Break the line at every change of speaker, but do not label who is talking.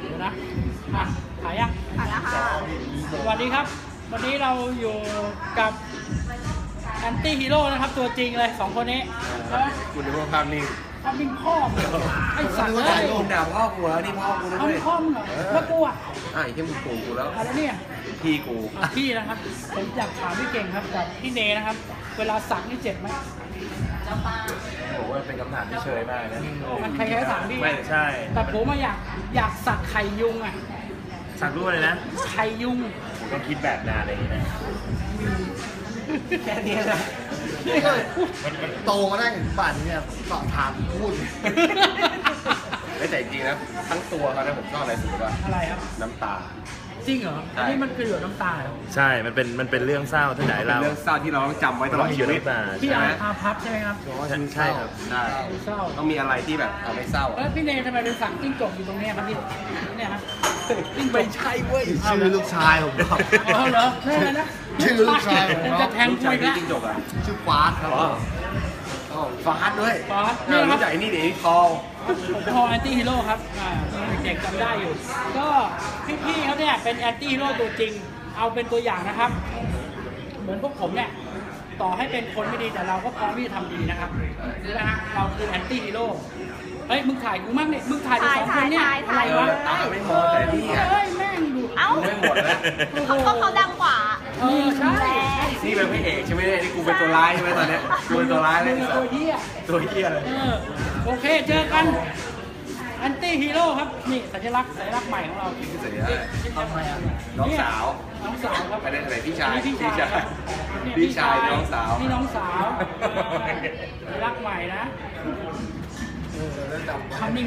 เดี๋ยวนะถ่ายยัง
ถ่ายแล้วค่ะ
สวัสดีครับ วันนี้เราอยู่กับแอนตี้ฮีโร่นะครับตัวจริงเลย2 คนนี้แล้ว
คุณดูว่าภาพนิ่ง
ทำเป็นพ่อไอ้สัตว์เลย
คุณด่าพ่อกูแล้วนี่พ่อกูนะ
ทำ
ด้ว
เป็
ย
นพ่อมึงเหรอแล้วกูอ่ะ
ไอ้ที่มึงกูกูแล้ว
อะไรเนี่ย
พี่กู
พี่นะครับผมอยากถามพี่เก่งครับกับพี่เนนะครับ เวลาสักนี่เจ็บไหม
ผมว่าเป็นคำถามที่เชยมากนะ
มันใครๆก็ถามพี่
ไม่ใช่
แต่ผมมาอยากสักไข่ยุงอ่ะ
สักรูปเลยนะ
ไข่ยุง
ผมต้องคิดแบบนานอะไรอย่างนี้นะแค่นี้นะ
โตมาได้ถึงป่านนี้เนี่ยสอบถามพูด
ไม่แต่จริงๆนะทั้งตัวเขานะผมชอบอะไรสุดว่า
อะไรครับ
น้ำตา
จริงเหรอ อันนี้มันคือหยดน้ำตาเหรอ
ใช่ มันเป็นเรื่องเศร้าที่ไหน
เป็น
เรา
เรื่องเศร้าที่เราต้องจำไว้ตลอดชีวิต
พี่
ใช่ไหม
อาพับใช่ไหมครับ
ใช่ครับ
ได้
เศร้า
ต้องมีอะไรที่แบบทำให้เศร้า
แล้วพี่เนทำไมเป็นสักจิ้งจกอยู่ตรงเนี้ยครับพี่เนี่ยครับจิ้งจก
ไม่ใช่เว้ย
ชื่อลูกชายผมครับ
เอาเหรอนี่อะไรนะ
ชื่อลูกชายผม
จะแทง
ลูก
คุ
ชาย
ย
พี่
ละ
จิ้งจกอ่ะ
ชื่อฟาสครับ
อ๋อฟาสด้วย
ฟาสนี่ครับ
รู้จักไอ้นี่เดี๋ยวนี้คอล
ผมพอแอนตี้ฮีโร่ครับเด็กจำได้อยู่ ก็พี่ๆเขาเนี่ยเป็นแอนตี้ฮีโร่ตัวจริง เอาเป็นตัวอย่างนะครับ เหมือนพวกผมเนี่ย ต่อให้เป็นคนไม่ดีแต่เราก็พร้อมที่จะทำดีนะครับนะฮะเราคือแอนตี้ฮีโร่ เฮ้ยมึงถ่ายกูมั่งเนี่ยมึงถ่ายแต่2 คนเนี่ยอะไรวะ
ตาไม่พอแต่นี่อ่ะ
เฮ้ยแม่งดู
เอ้า
ไม่หมดแล้ว
เขาดังกว่า
ใช่
นี่เป็นพระเอกใช่ไหมเนี่ยนี่กูเป็นตัวร้ายใช่ไหมตอนเนี้ยกูเป็นตัวร้ายเลย
มึงตัวเหี้ย
ตัวเหี้ยเลย
โอเคเจอกันแอนตี้ฮีโร่ครับนี่สัญลักษณ์ใหม่ของเรา
นี่คือสัญลักษณ์น้องสาว
น้องสาวครับ
ไปได้ไหนพี่ชาย
นี่พี่ชาย
พี่ชายน้องสาว
นี่น้องสาวสัญลักษณ์ใหม่นะทำนิ่ง